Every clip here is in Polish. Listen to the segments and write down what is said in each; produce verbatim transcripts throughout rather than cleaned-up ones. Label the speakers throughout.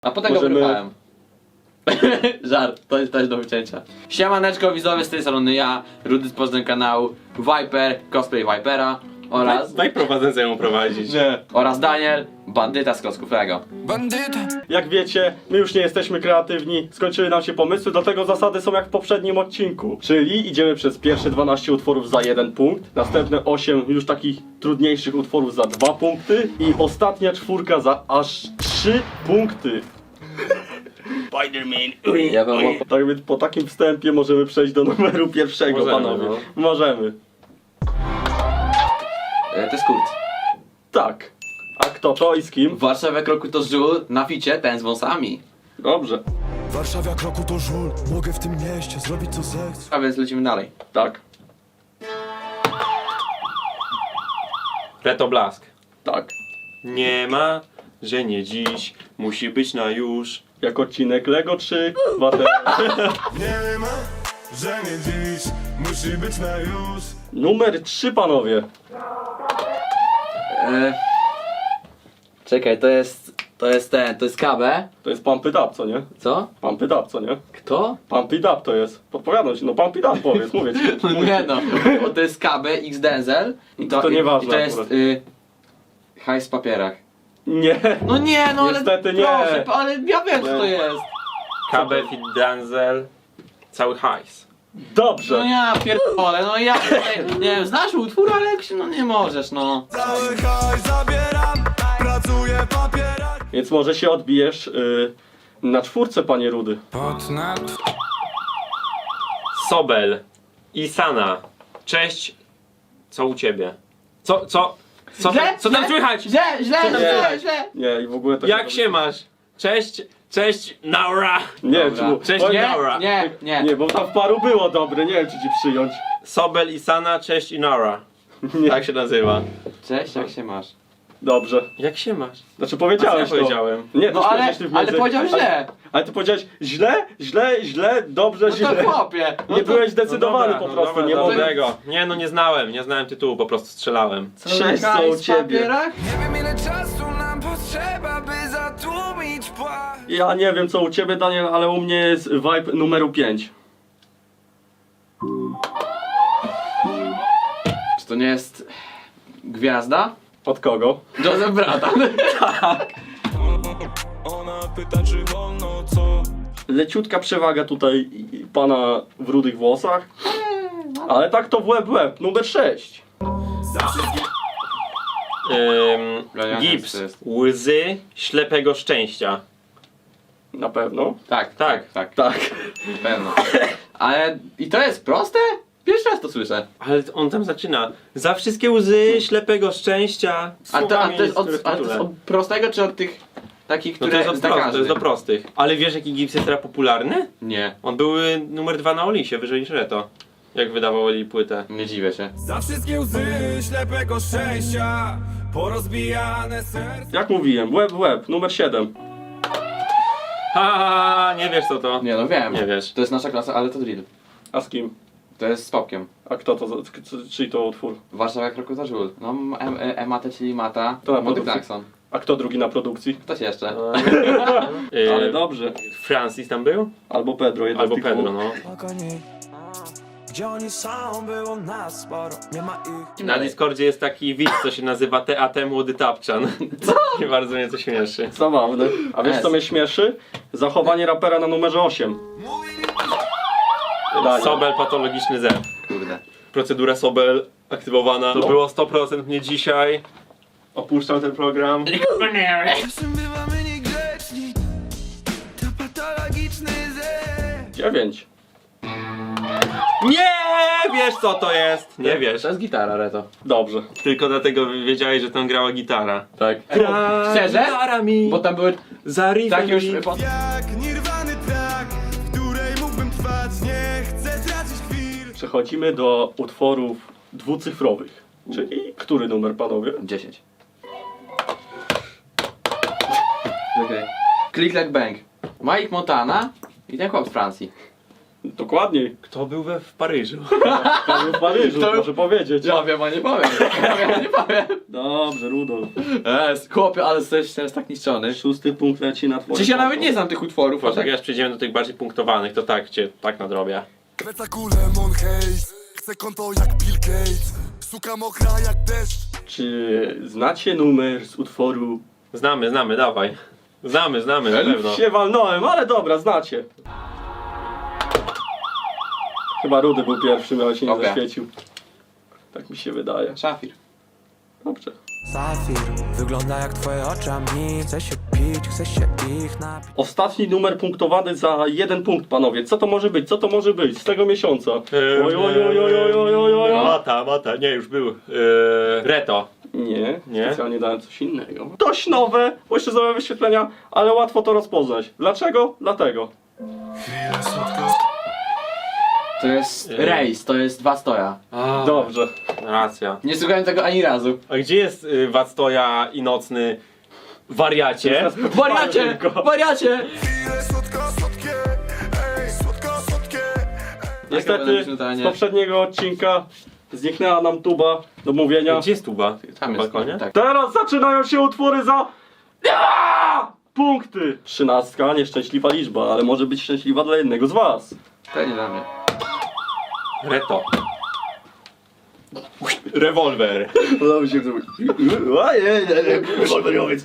Speaker 1: A potem
Speaker 2: Możemy-
Speaker 1: go wyruchałem. Żart, to jest też do wycięcia. Siemaneczko widzowie, z tej strony ja, Rudy z Poznań kanału, Viper, cosplay Vipera oraz...
Speaker 3: Daj prowadzącemu prowadzić.
Speaker 1: Nie. Oraz Daniel, bandyta z klocków Lego.
Speaker 2: Jak wiecie, my już nie jesteśmy kreatywni, skończyły nam się pomysły, dlatego zasady są jak w poprzednim odcinku. Czyli idziemy przez pierwsze dwanaście utworów za jeden punkt, następne osiem już takich trudniejszych utworów za dwa punkty i ostatnia czwórka za aż trzy punkty. Spider-Man.
Speaker 1: Ja wam
Speaker 2: Tak więc po takim wstępie możemy przejść do numeru pierwszego,
Speaker 3: Możemy,
Speaker 2: panowie.
Speaker 3: no.
Speaker 2: Możemy.
Speaker 1: E, to jest kurt.
Speaker 2: Tak. A kto to i z kim?
Speaker 1: W Warszawie kroku to żół, na ficie ten z wąsami.
Speaker 2: Dobrze.
Speaker 4: Warszawa kroku to żul, mogę w tym mieście zrobić co zechcę.
Speaker 1: A więc lecimy dalej.
Speaker 2: Tak.
Speaker 3: Reto Blask.
Speaker 2: Tak.
Speaker 3: Nie ma, że nie dziś, musi być na już.
Speaker 2: Jak odcinek Lego trzy, dwa T.
Speaker 4: Nie ma, że nie dziś, musi być na już.
Speaker 2: Numer trzy, panowie.
Speaker 1: E... Czekaj, to jest... To jest ten, to jest K B.
Speaker 2: To jest Pump It Up, co nie?
Speaker 1: Co?
Speaker 2: Pump It Up, co nie?
Speaker 1: Kto?
Speaker 2: Pump It Up to jest. Podpowiadam ci, no Pump It Up powiedz, mówię ci.
Speaker 1: No nie no, bo to jest K B X Denzel i to,
Speaker 2: To
Speaker 1: i,
Speaker 2: nieważne
Speaker 1: i to jest
Speaker 2: akurat.
Speaker 1: y, hajs w papierach.
Speaker 2: Nie.
Speaker 1: No nie, no ale
Speaker 2: Niestety nie.
Speaker 1: proszę, pa- ale ja wiem co to
Speaker 2: Nie.
Speaker 1: jest.
Speaker 3: K B Fit Denzel, cały hajs.
Speaker 1: No
Speaker 2: Dobrze.
Speaker 1: ja pierdolę, no ja, nie, nie wiem, znasz utwór, ale jak się, no nie możesz, no.
Speaker 4: Cały haj zabieram, pracuję w papierach.
Speaker 2: Więc może się odbijesz y, na czwórce, panie Rudy.
Speaker 4: Pod nad...
Speaker 3: Sobel i Sana. Cześć, co u ciebie? Co, co, co,
Speaker 1: Źle,
Speaker 3: co tam
Speaker 1: źle,
Speaker 3: słychać?
Speaker 1: Źle, źle,
Speaker 3: tam
Speaker 1: źle,
Speaker 3: słychać?
Speaker 1: źle.
Speaker 2: Nie, i w ogóle to
Speaker 3: Jak się masz? Cześć, cześć, Naura.
Speaker 2: Nie,
Speaker 1: Dobra.
Speaker 2: czy,
Speaker 3: Cześć,
Speaker 2: powiem-
Speaker 3: nie.
Speaker 1: Nie,
Speaker 3: Dobra.
Speaker 1: nie, nie.
Speaker 2: Nie, bo tam w paru było dobre, nie wiem czy ci przyjąć.
Speaker 3: Sobel i Sana, cześć i Naura.
Speaker 2: Nie.
Speaker 3: Tak się nazywa.
Speaker 1: Cześć, jak się masz?
Speaker 2: Dobrze.
Speaker 3: Jak się masz?
Speaker 2: Znaczy
Speaker 3: A
Speaker 2: powiedziałeś
Speaker 3: co ja
Speaker 2: to.
Speaker 3: powiedziałem?
Speaker 2: Nie,
Speaker 1: No
Speaker 2: to
Speaker 1: ale,
Speaker 2: śmiesznie ty w
Speaker 1: ale
Speaker 2: między-
Speaker 1: powiedział źle.
Speaker 2: Ale, ale ty powiedziałeś źle, źle, źle, dobrze,
Speaker 1: No
Speaker 2: źle.
Speaker 1: to chłopie. No
Speaker 2: Nie
Speaker 1: to...
Speaker 2: byłeś zdecydowany
Speaker 3: No dobra,
Speaker 2: po
Speaker 3: no
Speaker 2: prostu,
Speaker 3: dobra,
Speaker 2: nie mogę.
Speaker 3: dobrego. Nie no, nie znałem, nie znałem tytułu, po prostu strzelałem.
Speaker 2: Sześć
Speaker 1: Hajs
Speaker 2: co u
Speaker 1: w
Speaker 2: ciebie.
Speaker 1: papierach?
Speaker 4: Nie wiem ile czasu nam potrzeba, by zatłumić płacz.
Speaker 2: Ja nie wiem co u ciebie, Daniel, ale u mnie jest vibe numeru pięć.
Speaker 1: Czy to nie jest gwiazda?
Speaker 2: Od kogo?
Speaker 1: Joseph Bratan.
Speaker 4: Ona pyta czy wolno co?
Speaker 2: Leciutka przewaga tutaj pana w rudych włosach. Ale tak to w łeb w łeb, numer sześć.
Speaker 3: Ym,
Speaker 1: Brian
Speaker 3: Gibbs,
Speaker 1: to jest.
Speaker 3: łzy ślepego szczęścia.
Speaker 2: Na pewno.
Speaker 1: Tak, tak, tak,
Speaker 2: Tak.
Speaker 1: na pewno. Ale i to jest proste? Pierwszy raz to słyszę.
Speaker 3: Ale on tam zaczyna. Za wszystkie łzy ślepego szczęścia.
Speaker 1: A to, a to, jest, od,
Speaker 3: Słowami,
Speaker 1: ale to jest od prostego czy od tych takich,
Speaker 3: No
Speaker 1: które
Speaker 3: to jest, od
Speaker 1: zna
Speaker 3: prost, to
Speaker 1: każdy?
Speaker 3: jest do prostych. Ale wiesz jaki Gibbs jest teraz popularny?
Speaker 1: Nie,
Speaker 3: On był y, numer dwa na Olisie, wyżej niż Reto. Jak wydawali płytę.
Speaker 1: nie dziwię się.
Speaker 4: Za wszystkie łzy ślepego szczęścia, porozbijane serca.
Speaker 2: Jak mówiłem, łeb w łeb, numer siedem.
Speaker 3: Ha, nie wiesz co to.
Speaker 1: Nie no wiem.
Speaker 3: Nie wiesz.
Speaker 1: To jest nasza klasa, ale to drill.
Speaker 2: A z kim?
Speaker 1: To jest z Popkiem.
Speaker 2: A kto to, za- c- czyj to utwór?
Speaker 1: Warszawa jak roku za żul. No em, e, Emate, czyli Mata.
Speaker 2: To na
Speaker 1: Młody
Speaker 2: produkcji.
Speaker 1: Klaxon.
Speaker 2: A kto drugi na produkcji?
Speaker 1: Ktoś jeszcze.
Speaker 3: Y,
Speaker 2: Ale dobrze.
Speaker 3: Francis tam był?
Speaker 2: Albo Pedro, jeden
Speaker 3: Albo
Speaker 2: z tych
Speaker 3: Pedro,
Speaker 2: dwóch.
Speaker 3: no.
Speaker 4: Gdzie oni są, było nas sporo, nie ma ich.
Speaker 3: Na Discordzie jest taki widz, co się nazywa T A T Młody Tapczan. Co? I bardzo mnie to śmieszy.
Speaker 2: Zabawne. A wiesz
Speaker 1: S.
Speaker 2: co mnie śmieszy? Zachowanie rapera na numerze osiem. Daniel.
Speaker 3: Sobel patologiczny Z.
Speaker 1: Kurde.
Speaker 3: Procedura Sobel aktywowana. To było sto procent mnie dzisiaj. Opuszczam ten program.
Speaker 4: Czasem bywamy niegrzeczni, to patologiczny ze.
Speaker 2: dziewięć.
Speaker 3: Nie wiesz co to jest! Nie wiesz.
Speaker 1: To jest gitara, Reto.
Speaker 2: Dobrze.
Speaker 3: Tylko dlatego wiedziałeś, że tam grała gitara.
Speaker 1: Tak.
Speaker 3: Gra
Speaker 1: Szczerze?
Speaker 3: gitara mi
Speaker 1: Bo tam były
Speaker 3: za riffem
Speaker 1: tak już...
Speaker 3: mi.
Speaker 4: Jak nirwany track, w której mógłbym trwać, nie chcę tracić chwil.
Speaker 2: Przechodzimy do utworów dwucyfrowych. Czyli który numer, panowie?
Speaker 1: dziesięć. Okej. Click like bang. Mike Montana i ten chłop z Francji.
Speaker 2: Dokładniej.
Speaker 3: Kto był we w Paryżu?
Speaker 2: Kto był w Paryżu,
Speaker 1: To-
Speaker 2: proszę powiedzieć.
Speaker 1: Ja wiem, a nie powiem. Ja wiem, a nie powiem.
Speaker 2: Dobrze, Rudolf.
Speaker 1: Jest, chłopie, ale jesteś teraz tak niszczony.
Speaker 2: Szósty punkt leci na twoje
Speaker 1: Przecież ja
Speaker 2: konto.
Speaker 1: nawet nie znam tych utworów.
Speaker 3: Poczekaj,
Speaker 1: Poczekaj.
Speaker 3: aż przejdziemy do tych bardziej punktowanych, to tak cię, tak nadrobię.
Speaker 4: Pleca kule Monhaze, chcę konto jak Bill Gates. Suka mokra jak deszcz.
Speaker 2: Czy znacie numer z utworu?
Speaker 3: Znamy, znamy, dawaj. Znamy, znamy, na pewno.
Speaker 2: Się walnąłem, ale dobra, znacie. Chyba Rudy był pierwszym, ale się nie
Speaker 1: Okej.
Speaker 2: zaświecił. Tak mi się wydaje.
Speaker 1: Szafir.
Speaker 2: Dobrze.
Speaker 5: Safir, wygląda jak twoje oczy, a mi chce się pić, chce się ich napić.
Speaker 2: Ostatni numer punktowany za jeden punkt, panowie. Co to może być? Co to może być z tego miesiąca?
Speaker 3: Eee,
Speaker 2: Oj, oj, oj, oj, oj, oj, oj, oj.
Speaker 3: Mata, mata, nie, już był. Eee, Reto.
Speaker 2: Nie,
Speaker 3: Nie?
Speaker 2: specjalnie dałem coś innego. Dość nowe, bo jeszcze złe wyświetlenia, ale łatwo to rozpoznać. Dlaczego? Dlatego.
Speaker 4: Chwilę słodko.
Speaker 1: To jest
Speaker 3: Ej.
Speaker 1: rejs, to jest dwa stoja.
Speaker 3: A,
Speaker 2: Dobrze.
Speaker 3: racja.
Speaker 1: Nie słuchałem tego ani razu.
Speaker 3: A gdzie jest y, Wactoja i nocny wariacie?
Speaker 1: Wariacie! Wariacie!
Speaker 4: Chwilę słodko, słodkie. Ej, słodko, słodkie.
Speaker 2: Niestety z poprzedniego odcinka zniknęła nam tuba do mówienia.
Speaker 3: Gdzie jest tuba?
Speaker 1: Tam
Speaker 3: Na
Speaker 1: jest.
Speaker 3: balkonie?
Speaker 1: Tak.
Speaker 2: Teraz zaczynają się utwory za... Aaaa! Punkty! Trzynastka, nieszczęśliwa liczba, ale może być szczęśliwa dla jednego z was.
Speaker 1: To nie dla mnie.
Speaker 3: Reto. Rewolwer.
Speaker 2: Udało się zrobić. Ojej, rewolweriowiec.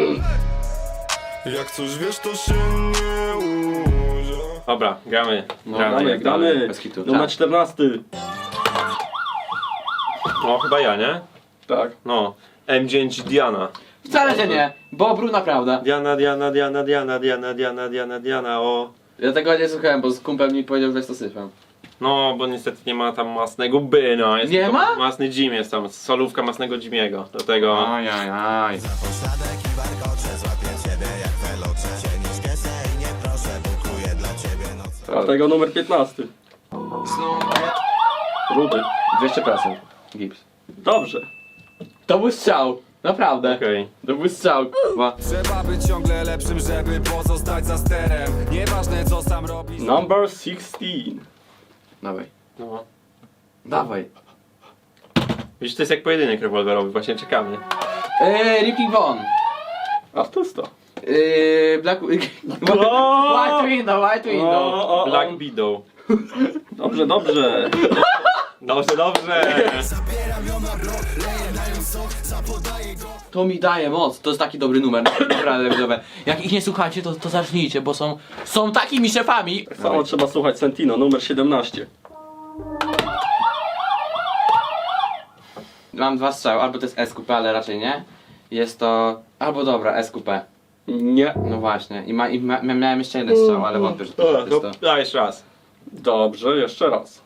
Speaker 4: Jak coś wiesz, to się nie uda.
Speaker 3: Dobra, gramy.
Speaker 1: No,
Speaker 3: gramy.
Speaker 2: Gramy,
Speaker 1: jak dalej,
Speaker 2: gramy.
Speaker 1: bez kitu.
Speaker 2: Numer
Speaker 1: Tak.
Speaker 2: czternasty.
Speaker 3: No, chyba ja, nie?
Speaker 2: Tak.
Speaker 3: No. M dziewięć Diana.
Speaker 1: Wcale się nie, bo brud naprawdę.
Speaker 3: Diana, Diana, Diana, Diana, Diana, Diana, Diana, Diana, o.
Speaker 1: Ja tego nie słuchałem, bo z kumpel mi powiedział, że to syfem.
Speaker 3: No, bo niestety nie ma tam masnego Byna. Jest
Speaker 1: Nie
Speaker 3: tylko
Speaker 1: ma?
Speaker 3: Masny Jim jest tam, solówka masnego Jimiego. Dlatego...
Speaker 1: Ajajaj.
Speaker 2: Dlatego numer piętnasty. Rudy.
Speaker 1: dwieście procent. Gips.
Speaker 2: Dobrze.
Speaker 1: To był strzał. Naprawdę.
Speaker 3: Okej.
Speaker 1: To był strzał. Kurwa.
Speaker 4: Trzeba być ciągle lepszym, żeby pozostać za sterem. Nieważne co sam robisz.
Speaker 2: Number szesnaście.
Speaker 1: Dawaj.
Speaker 3: No.
Speaker 1: Dawaj.
Speaker 3: Widzisz, to jest jak pojedynek rewolwerowy, właśnie czekamy.
Speaker 1: Eee, Ripping Von.
Speaker 2: Artysta.
Speaker 1: Eee, Black... White Window, White Window.
Speaker 2: O, o,
Speaker 3: Black
Speaker 2: o.
Speaker 3: Widow.
Speaker 2: Dobrze, dobrze.
Speaker 3: Dobrze, dobrze.
Speaker 1: To mi daje moc, to jest taki dobry numer, naprawdę widzowie. Jak ich nie słuchacie, to, to zacznijcie, bo są, są takimi szefami.
Speaker 2: Samo trzeba słuchać Sentino, numer siedemnaście.
Speaker 1: Mam dwa strzały, albo to jest S Q P, ale raczej nie. Jest to, albo dobra, S Q P.
Speaker 2: Nie.
Speaker 1: No właśnie, i, ma, i ma, miałem jeszcze jeden strzał, ale wątpię, że to
Speaker 3: Dobra,
Speaker 1: jest
Speaker 3: to
Speaker 1: to.
Speaker 3: daj jeszcze raz.
Speaker 2: Dobrze, jeszcze raz.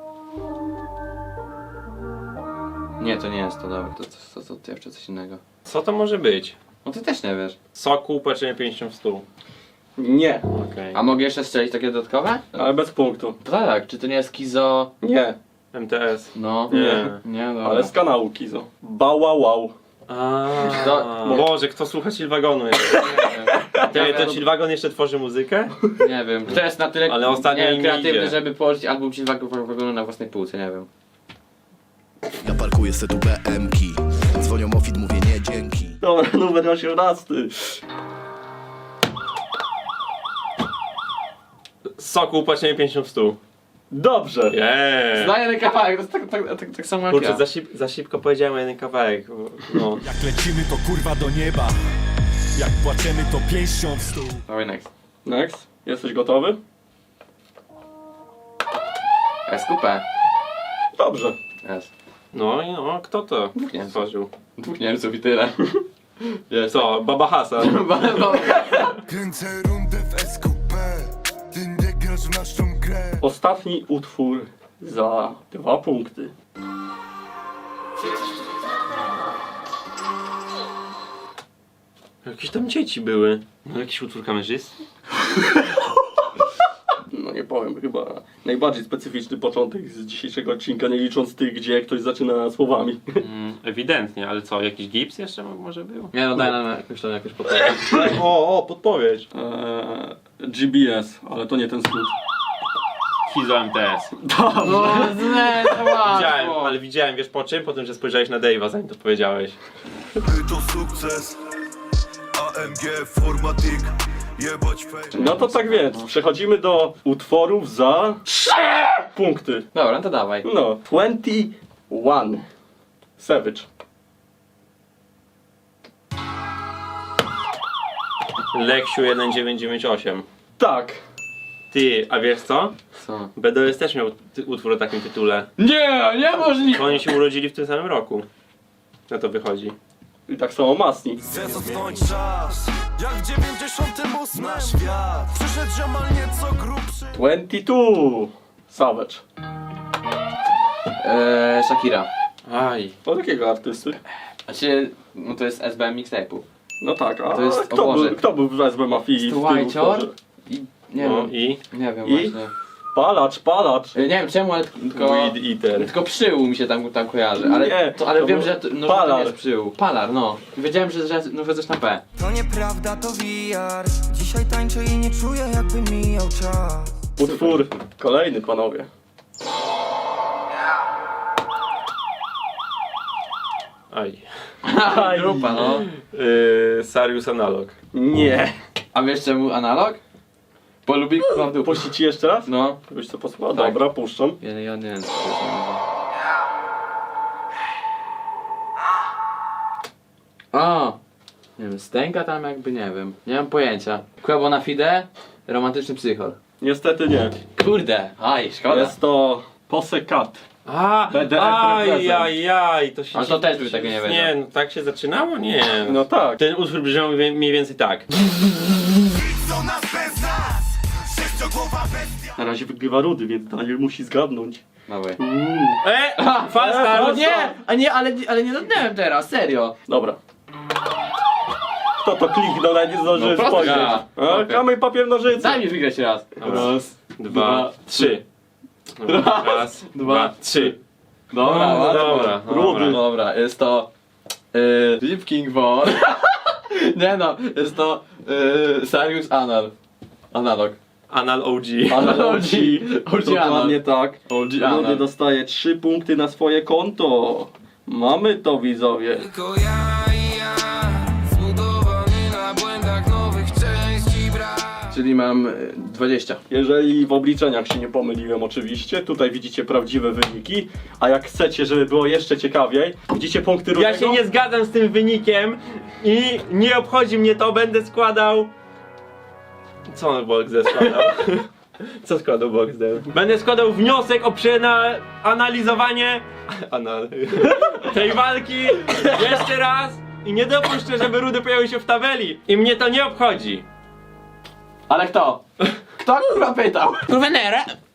Speaker 1: Nie, to nie jest to, dobra, to, to, to, to jeszcze coś innego.
Speaker 3: Co to może być?
Speaker 1: No ty też nie wiesz.
Speaker 3: Soku, patrzenie pięćdziesiąt w stół.
Speaker 2: Nie.
Speaker 3: Okej.
Speaker 1: A mogę jeszcze strzelić takie dodatkowe?
Speaker 2: Ale bez punktu.
Speaker 1: Tak, czy to nie jest Kizo?
Speaker 2: Nie.
Speaker 3: M T S.
Speaker 1: No.
Speaker 3: Nie.
Speaker 1: Nie, dobra.
Speaker 2: Ale z kanału Kizo. Bała wow.
Speaker 3: A, Boże, kto słucha Chillwagonu jeszcze? Ty, to Chillwagon jeszcze tworzy muzykę?
Speaker 1: Nie wiem. Kto jest na tyle
Speaker 3: Ale ostatnio
Speaker 1: nie wiem,
Speaker 3: im
Speaker 1: kreatywny,
Speaker 3: idzie.
Speaker 1: żeby położyć album Chillwagonu na własnej półce, nie wiem.
Speaker 6: Ja parkuję se tu B M ki. Dzwonią o fit, mówię nie dzięki.
Speaker 2: Dobra, numer osiemnasty.
Speaker 3: Soku, patrzenie pięćdziesiąt w stół.
Speaker 2: Dobrze.
Speaker 3: Jeee.
Speaker 1: Znaję ten kawałek, to jest tak, tak, tak, tak samo jak
Speaker 3: Kurczę,
Speaker 1: ja.
Speaker 3: za, szib, za szybko powiedziałem jeden kawałek. No.
Speaker 4: Jak lecimy to kurwa do nieba. Jak płaczemy to pięścią w stół.
Speaker 1: Dawaj next.
Speaker 2: Next. Jesteś gotowy?
Speaker 1: S Q P.
Speaker 2: Dobrze.
Speaker 1: S.
Speaker 3: No i no, kto to
Speaker 1: Nie.
Speaker 3: stworzył?
Speaker 1: Dwóch Niemców i tyle. Jest.
Speaker 3: Co, Baba Hasan?
Speaker 4: Kręcę rundę w S Q P. Ty nie grasz w naszą grę.
Speaker 2: Ostatni utwór za dwa punkty.
Speaker 3: Jakieś tam dzieci były. No jakiś utwór kamerzysty?
Speaker 2: No nie powiem, chyba najbardziej specyficzny początek z dzisiejszego odcinka, nie licząc tych, gdzie ktoś zaczyna słowami.
Speaker 3: Mm, ewidentnie, ale co, jakiś gips jeszcze może był?
Speaker 1: Nie no, daj nam jakąś tam jakąś podpowiedź.
Speaker 3: O, o, podpowiedź.
Speaker 2: Eee, G B S, ale to nie ten skrót.
Speaker 3: Fizo M T S.
Speaker 1: No, nie, to
Speaker 3: Widziałem,
Speaker 1: łatwo.
Speaker 3: ale widziałem, wiesz po czym? Po tym, że spojrzałeś na Dave'a, zanim to powiedziałeś.
Speaker 4: To sukces. A M G Formatik. Jebać fame.
Speaker 2: No to tak więc, przechodzimy do utworów za trzy punkty.
Speaker 1: Dobra, no to dawaj.
Speaker 2: No, dwadzieścia jeden. Savage.
Speaker 3: Leksiu jeden dziewięć dziewięć osiem.
Speaker 2: Tak.
Speaker 3: Ty, a wiesz co?
Speaker 1: Co?
Speaker 3: B D O S też miał ty- utwór o takim tytule.
Speaker 1: Nie, niemożliwe!
Speaker 3: Bo oni się urodzili w tym samym roku. Na to wychodzi.
Speaker 2: I tak samo Masni.
Speaker 4: Chcę cofnąć czas. Jak w dziewięćdziesiątym ósmym na świat przyszedł ziomal nieco grubszy.
Speaker 2: dwadzieścia dwa. Savage.
Speaker 1: Eee, Shakira.
Speaker 3: Aj.
Speaker 2: Od jakiego artysty?
Speaker 1: Znaczy, no to jest S B M mixtape'u.
Speaker 2: No tak, a
Speaker 1: To jest- o
Speaker 2: kto,
Speaker 1: Boże.
Speaker 2: był, kto był w S B Mafii w
Speaker 1: Jest
Speaker 2: tym
Speaker 1: Whitehor
Speaker 2: utworze?
Speaker 1: i... Nie
Speaker 3: No
Speaker 1: wiem,
Speaker 3: i
Speaker 1: nie wiem
Speaker 2: I?
Speaker 1: właśnie.
Speaker 2: Palacz, palacz.
Speaker 1: E, Nie wiem czemu, ale tylko...
Speaker 3: Weed Eater.
Speaker 1: Tylko przyłu mi się tam, tam kojarzy, ale,
Speaker 2: Nie,
Speaker 1: to, ale
Speaker 2: to
Speaker 1: wiem,
Speaker 2: był
Speaker 1: że, to, no, że to
Speaker 2: Palar.
Speaker 1: nie jest przyłu. Palar, no. Wiedziałem, że, że, no, że coś na P.
Speaker 5: To nieprawda, to V R. Dzisiaj tańczę i nie czuję, jakby mijał czas.
Speaker 2: Utwór kolejny, panowie.
Speaker 3: Aj.
Speaker 2: Aj.
Speaker 1: Grupa, no.
Speaker 3: Yy, Sarius Analog.
Speaker 2: Nie.
Speaker 1: A wiesz czemu analog? Bo lubi k***a w dupę.
Speaker 2: Puścić ci jeszcze raz?
Speaker 1: No.
Speaker 2: Byś co posłuchał?
Speaker 1: Tak.
Speaker 2: Dobra, puszczam.
Speaker 1: Ja, ja nie wiem, co to jest. A, nie wiem, stęka tam jakby, nie wiem. Nie mam pojęcia. Kłębo na fide, romantyczny psychol.
Speaker 2: Niestety nie.
Speaker 1: Kurde, aj, szkoda.
Speaker 2: Jest to Pose Cat.
Speaker 3: A,
Speaker 2: B D F
Speaker 3: aj,
Speaker 2: represent.
Speaker 3: aj, aj, to się...
Speaker 1: Ale to też by tego nie wiedział.
Speaker 3: Nie, no tak się zaczynało? Nie.
Speaker 2: No tak.
Speaker 3: Ten utwór brzmiał mniej mniej więcej tak.
Speaker 4: Co nas bez nas? Sześciogłowa bestia.
Speaker 2: Na razie wygrywa Rudy, więc Daniel musi zgadnąć.
Speaker 1: Dawaj.
Speaker 3: E! Falsta!
Speaker 2: E,
Speaker 1: Nie, a nie, ale, ale nie dotknąłem teraz, serio.
Speaker 2: Dobra. Kto to kliknął, nawet nie zdążyłem
Speaker 1: No, prosto
Speaker 2: spojrzeć.
Speaker 1: ja.
Speaker 2: A,
Speaker 1: Okej.
Speaker 2: Kamień, papier, nożyce.
Speaker 1: Daj mi wygrać raz.
Speaker 2: Raz.
Speaker 3: Dwa, trzy. Dobra, raz, dwa, trzy.
Speaker 1: Dobra,
Speaker 3: No,
Speaker 1: dobra,
Speaker 3: dobra,
Speaker 1: dobra,
Speaker 2: Rudy.
Speaker 1: dobra, jest to... Yy, Deep King Von. Nie no, jest to... Yy, Sarius Anal. Analog.
Speaker 3: Anal O G.
Speaker 2: Anal
Speaker 1: O
Speaker 2: O
Speaker 1: G.
Speaker 2: G.
Speaker 1: O G
Speaker 2: Dokładnie
Speaker 1: Anal.
Speaker 2: tak.
Speaker 1: O G
Speaker 2: Rudy
Speaker 1: Anal.
Speaker 2: dostaje trzy punkty na swoje konto. Mamy to, widzowie.
Speaker 5: Tylko ja i ja, zbudowany na błędach nowych części brak.
Speaker 1: Czyli mam y, dwadzieścia.
Speaker 2: Jeżeli w obliczeniach się nie pomyliłem oczywiście, tutaj widzicie prawdziwe wyniki, a jak chcecie, żeby było jeszcze ciekawiej, widzicie punkty Rudego?
Speaker 3: Ja się nie zgadzam z tym wynikiem i nie obchodzi mnie to, będę składał... Co on Boxdel składał? Co składał Boxdel? Będę składał wniosek o przeanalizowanie Anal... tej walki jeszcze raz i nie dopuszczę, żeby Rudy pojawił się w tabeli i mnie to nie obchodzi.
Speaker 1: Ale kto? Kto kurwa pytał? Kurwa nere.